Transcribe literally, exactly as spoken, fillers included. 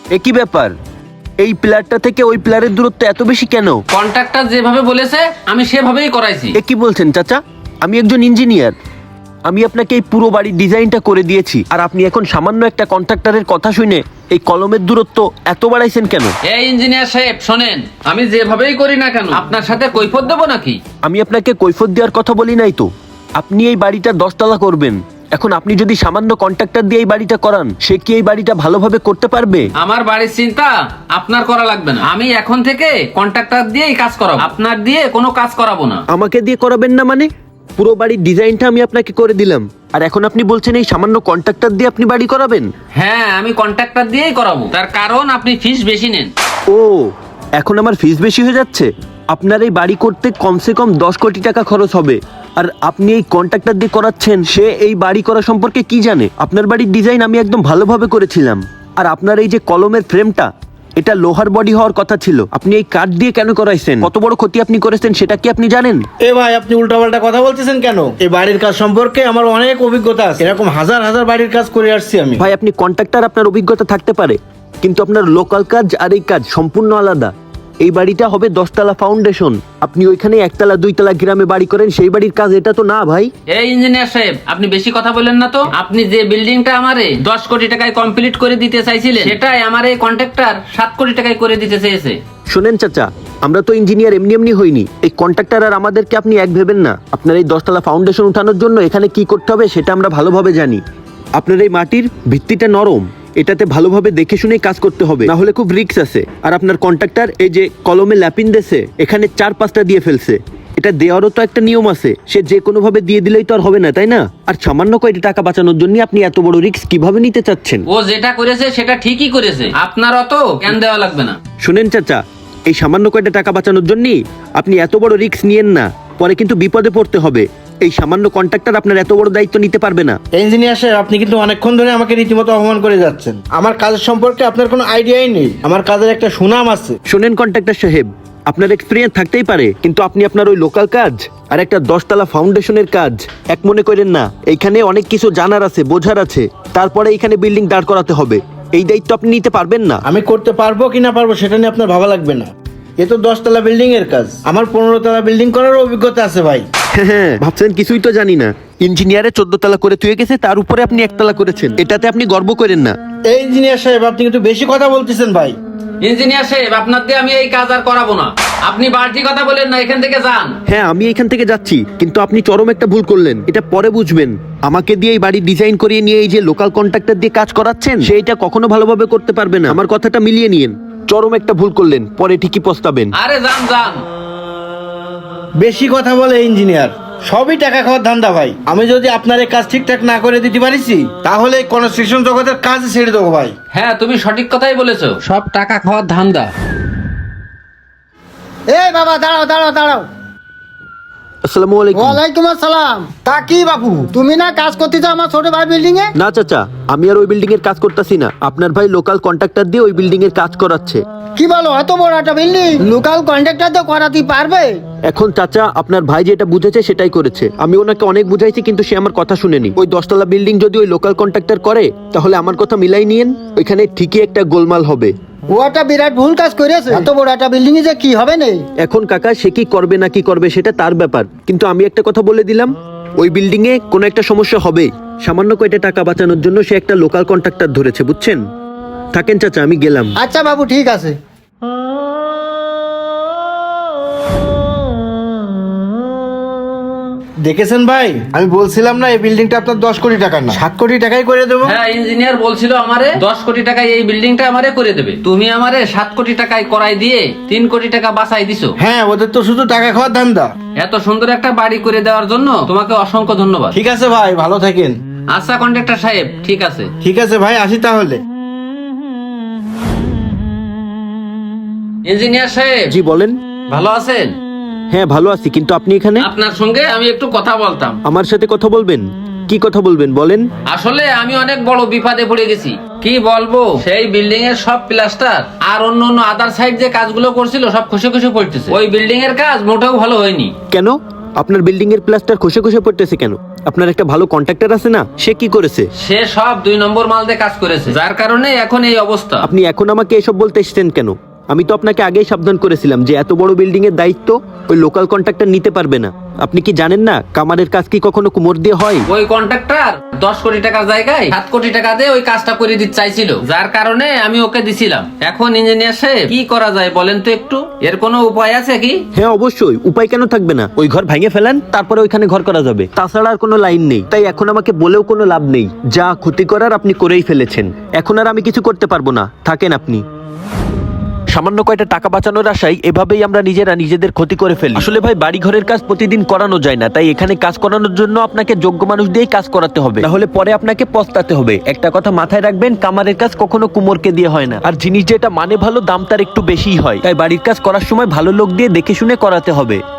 একই ব্যাপার, এই প্লেয়ারটা থেকে ওই প্লেয়ারের দূরত্ব এত বেশি কেন? কন্ট্রাক্টর যেভাবে বলেছে আমি সেভাবেই করাইছি। এ কি বলছেন চাচা? আমি একজন ইঞ্জিনিয়ার, আমি আপনাকে এই পুরো বাড়ির ডিজাইনটা করে দিয়েছি, আর আপনি এখন সামান্য একটা কন্ট্রাক্টরের কথা শুনে এই কলমের দূরত্ব এত বাড়াইছেন কেন? এই ইঞ্জিনিয়ার সাহেব শোনেন, আমি যেভাবেই করি না কেন আপনার সাথে কৈফিয়ত দেবো নাকি? আমি আপনাকে কৈফিয়ত দেওয়ার কথা বলি নাই তো। আপনি এই বাড়িটা দশতলা করবেন, এখন আপনি যদি সামান্য কন্ট্রাক্টর দিয়ে এই বাড়িটা করান, সে কি এই বাড়িটা ভালোভাবে করতে পারবে? আমার বাড়ির চিন্তা আপনার করা লাগবে না, আমি এখন থেকে কন্ট্রাক্টর দিয়েই কাজ করাবো, আপনার দিয়ে কোনো কাজ করাবো না। আমাকে দিয়ে করাবেন না মানে? পুরো বাড়ির ডিজাইনটা আমি আপনাকে করে দিলাম, আর এখন আপনি বলছেন এই সামান্য কন্ট্রাক্টর দিয়ে আপনি বাড়ি করাবেন? হ্যাঁ, আমি কন্ট্রাক্টর দিয়েই করাবো, তার কারণ আপনি ফিস বেশি নেন। ও, এখন আমার ফিস বেশি হয়ে যাচ্ছে? আপনার এই বাড়ি করতে কমসে কম দশ কোটি টাকা খরচ হবে, আর আপনি এই কন্ট্রাক্টর দিয়ে করাচ্ছেন। সে এই বাড়ি করা সম্পর্কে কি জানে? আপনার বাড়ির ডিজাইন আমি একদম ভালোভাবে করেছিলাম, আর আপনার এই যে কলমের ফ্রেমটা, এটা লোহার বডি হওয়ার কথা ছিল, আপনি এই কাঠ দিয়ে কেন করাইছেন? কত বড় ক্ষতি আপনি করেছেন সেটা কি আপনি জানেন? এ ভাই, আপনি উল্টাপাল্টা কথা বলতেছেন কেন? এই বাড়ির কাজ সম্পর্কে আমার অনেক অভিজ্ঞতা আছে, এরকম হাজার হাজার বাড়ির কাজ করে আসছি আমি। ভাই, আপনি কন্ট্রাক্টর, আপনার অভিজ্ঞতা থাকতে পারে, কিন্তু আপনার লোকাল কাজ আর এই কাজ সম্পূর্ণ আলাদা। এই বাড়িটা হবে দশতলা ফাউন্ডেশন, আপনি ওইখানে একতলা দুইতলা গ্রামে বাড়ি করেন, সেই বাড়ির কাজ এটা তো না ভাই। এই ইঞ্জিনিয়ার সাহেব, আপনি বেশি কথা বলেন না তো। আপনি যে বিল্ডিংটা আমারে দশ কোটি টাকায় কমপ্লিট করে দিতে চাইছিলেন, সেটাই আমার এই কন্ট্রাক্টর সাত কোটি টাকায় করে দিতে চেয়েছে। শোনেন চাচা, আমরা তো ইঞ্জিনিয়ার এমনি এমনি হইনি। এই কন্ট্রাক্টর আর আমাদেরকে আপনি এক ভেবেন না। আপনার এই দশতলা ফাউন্ডেশন উঠানোর জন্য এখানে কি করতে হবে সেটা আমরা ভালোভাবে জানি। আপনার এই মাটির ভিত্তিটা নরম, এটাতে ভালোভাবে দেখে শুনে কাজ করতে হবে, না হলে খুব রিস্ক আছে। আর আপনার কন্ট্রাক্টর এই যে কলমে ল্যাপিন দেছে, এখানে চার পাঁচটা দিয়ে ফেলছে। এটা দেওয়ারও তো একটা নিয়ম আছে, সে যে কোনো ভাবে দিয়ে দিলেই তো আর হবে না, তাই না? আর সামান্য কয়টা টাকা বাঁচানোর জন্য আপনি এত বড় রিস্ক কিভাবে নিতে চাচ্ছেন? ও যেটা করেছে সেটা ঠিকই করেছে, আপনার অত জ্ঞান দেওয়া লাগবে না। শুনেন চাচা, এই সামান্য কয়টা টাকা বাঁচানোর জন্য আপনি এত বড় রিস্ক নিয়েন না, পরে কিন্তু বিপদে পড়তে হবে। এই সামান্য কন্ট্রাক্টর আপনার এত বড় দায়িত্ব নিতে পারবে না। ইঞ্জিনিয়ার সাহেব, আপনি কিন্তু অনেকক্ষণ ধরে আমাকে রীতিমতো অপমান করে যাচ্ছেন। আমার কাজের সম্পর্কে আপনার কোনো আইডিয়াই নেই, আমার কাজের একটা সুনাম আছে। শোনেন কন্ট্রাক্টর সাহেব, আপনার এক্সপিরিয়েন্স থাকতেই পারে, কিন্তু আপনি আপনার ওই লোকাল কাজ আর একটা দশতলা ফাউন্ডেশনের কাজ এক মনে করেন না। এইখানে অনেক কিছু জানার আছে, বোঝার আছে, তারপরে এইখানে বিল্ডিং দাঁড় করাতে হবে। এই দায়িত্ব আপনি নিতে পারবেন না। আমি করতে পারবো কি না পারবো সেটা নিয়ে আপনার ভাবা লাগবে না। এ তো দশতলা বিল্ডিং এর কাজ, আমার পনেরো তলা বিল্ডিং করার অভিজ্ঞতা আছে ভাই। হ্যাঁ, ভাবছেন কিছুই তো জানি না। ইঞ্জিনিয়ারে চোদ্দ তলা করে তুই গেছে, তার উপরে আপনি একতলা করেছেন, এটাতে আপনি গর্ব করেন না? এই ইঞ্জিনিয়ার সাহেব, আপনি কিন্তু বেশি কথা বলতেছেন ভাই। ইঞ্জিনিয়ার সাহেব, আপনার দিয়ে আমি এই কাজ আর করাবো না, আপনি বাড়তি কথা বলেন না, এখান থেকে যান। হ্যাঁ, আমি এখান থেকে যাচ্ছি, কিন্তু আপনি চরম একটা ভুল করলেন, এটা পরে বুঝবেন। আমাকে দিয়ে এই বাড়ি ডিজাইন করিয়ে নিয়ে এই যে লোকাল কন্ট্রাক্টর দিয়ে কাজ করাচ্ছেন, সে এটা কখনো ভালোভাবে করতে পারবে না। আমার কথাটা মিলিয়ে নিয়েন, চরম একটা ভুল করলেন, পরে ঠিকই পস্তাবেন। আরে যান যান। বেশি কথা বলে ইঞ্জিনিয়ার, সবই টাকা খাওয়ার ধান্দা ভাই। আমি যদি আপনার এই কাজ ঠিকঠাক না করে দিতে পারিছি, তাহলে এই কনস্ট্রাকশন জগতের কাজ ছেড়ে দেবো ভাই। হ্যাঁ, তুমি সঠিক কথাই বলেছো, সব টাকা খাওয়ার ধান্দা। এই বাবা, দাঁড়াও দাঁড়াও দাঁড়াও। আসসালামু আলাইকুম। ওয়ালাইকুম আসসালাম। তা কি বাবু, তুমি না কাজ করতে চাও আমার ছোট ভাই বিল্ডিং এ? না চাচা, আমি আর ওই বিল্ডিং এর কাজ করতেছি না, আপনার ভাই লোকাল কন্ট্রাক্টর দিয়ে ওই বিল্ডিং এর কাজ করাচ্ছে। কি বলো, এত বড় একটা বিল্ডিং লোকাল কন্ট্রাক্টর তো করাতে পারবে? এখন চাচা, আপনার ভাই যেটা বুঝেছে সেটাই করেছে। আমি ওনাকে অনেক বুঝাইছি, কিন্তু সে আমার কথা শুনেনি। ওই দশতলা বিল্ডিং যদি ওই লোকাল কন্ট্রাক্টর করে, তাহলে আমার কথা মিলাই নিয়েন, ওইখানে ঠিকই একটা গোলমাল হবে। ও একটা বিরাট ভুল কাজ করেছে, এত বড় একটা বিল্ডিং এ যে কি হবে নেই। এখন কাকা, সে কি করবে না কি করবে সেটা তার ব্যাপার, কিন্তু আমি একটা কথা বলে দিলাম, ওই বিল্ডিং এ কোনো একটা সমস্যা হবে। সামান্য কয়টা টাকা বাঁচানোর জন্য সে একটা লোকাল কন্ট্রাক্টর ধরেছে, বুঝছেন? থাকেন চাচা, আমি গেলাম। আচ্ছা বাবু, ঠিক আছে। দেখেছেন ভাই, আমি বলছিলাম না এই বিল্ডিংটা আপনার দশ কোটি টাকা না, সাত কোটি টাকাই করে দেবো। হ্যাঁ, ইঞ্জিনিয়ার বলছিল আমারে দশ কোটি টাকায় এই বিল্ডিংটা আমারে করে দেবে, তুমি আমারে সাত কোটি টাকায় করাই দিয়ে তিন কোটি টাকা বাঁচাই দিছো। হ্যাঁ, ওদের তো শুধু টাকা খাওয়ার ধান্দা। এত সুন্দর একটা বাড়ি করে দেওয়ার জন্য তোমাকে অসংখ্য ধন্যবাদ। ঠিক আছে ভাই, ভালো থাকেন। আচ্ছা কন্ট্রাক্টর সাহেব, ঠিক আছে। ঠিক আছে ভাই, আসি তাহলে। ইঞ্জিনিয়ার সাহেব, জি বলেন। ভালো আছেন? হ্যাঁ, ভালো আছি, কিন্তু আপনি এখানে? আপনার সঙ্গে আমি একটু কথা বলতাম। আমার সাথে কথা বলবেন? কি কথা বলবেন বলেন। আসলে আমি অনেক বড় বিপদে পড়ে গেছি। কি বলবো, সেই বিল্ডিং এর সব প্লাস্টার আর অন্য অন্য আদার সাইড যে কাজগুলো করছিল সব খুশি খুশি পড়তেছে। ওই বিল্ডিং এর কাজ মোটেও ভালো হয়নি। কেন? আপনার বিল্ডিং এর প্লাস্টার খসে খসে পড়তেছে কেন? আপনার একটা ভালো কন্ট্রাক্টর আছে না, সে কি করেছে? সে সব দুই নম্বর মাল দিয়ে কাজ করেছে, যার কারণে এখন এই অবস্থা। আপনি এখন আমাকে এসব বলতে এসেছেন কেন? আমি তো আপনাকে আগেই সাবধান করেছিলাম যে এত বড় বিল্ডিং এর দায়িত্ব ওই লোকাল কন্ট্রাক্টর নিতে পারবে না। আপনি কি জানেন না কামারের কাজ কি কখনো কুমোর দিয়ে হয়? ওই কন্ট্রাক্টর দশ কোটি টাকার জায়গায় সাত কোটি টাকা দিয়ে ওই কাজটা করে দিতে চাইছিল, যার কারণে আমি ওকে দিছিলাম। এখন ইঞ্জিনিয়ার সাহেব কি করা যায় বলেন তো একটু, এর কোনো উপায় আছে কি? হ্যাঁ অবশ্যই, উপায় কেন থাকবে না। ওই ঘর ভেঙে ফেলেন, তারপরে ওইখানে ঘর করা যাবে। তাছাড়া আর কোনো লাইন নেই, তাই এখন আমাকে বলেও কোনো লাভ নেই। যা ক্ষতি করার আপনি করেই ফেলেছেন, এখন আর আমি কিছু করতে পারবো না, থাকেন আপনি। সামান্য কয়টা টাকা বাঁচানোর আশায় এভাবেই আমরা নিজেরা নিজেদের ক্ষতি করে ফেলি। আসলে ভাই বাড়ি ঘরের কাজ প্রতিদিন করানো যায় না, তাই এখানে কাজ করানোর জন্য আপনাকে যোগ্য মানুষ দিয়েই কাজ করাতে হবে, তাহলে পরে আপনাকে পস্তাতে হবে। একটা কথা মাথায় রাখবেন, কামারের কাজ কখনো কুমোরকে দিয়ে হয় না, আর জিনিস যেটা মানে ভালো দাম তার একটু বেশিই হয়। তাই বাড়ির কাজ করার সময় ভালো লোক দিয়ে দেখে শুনে করাতে হবে।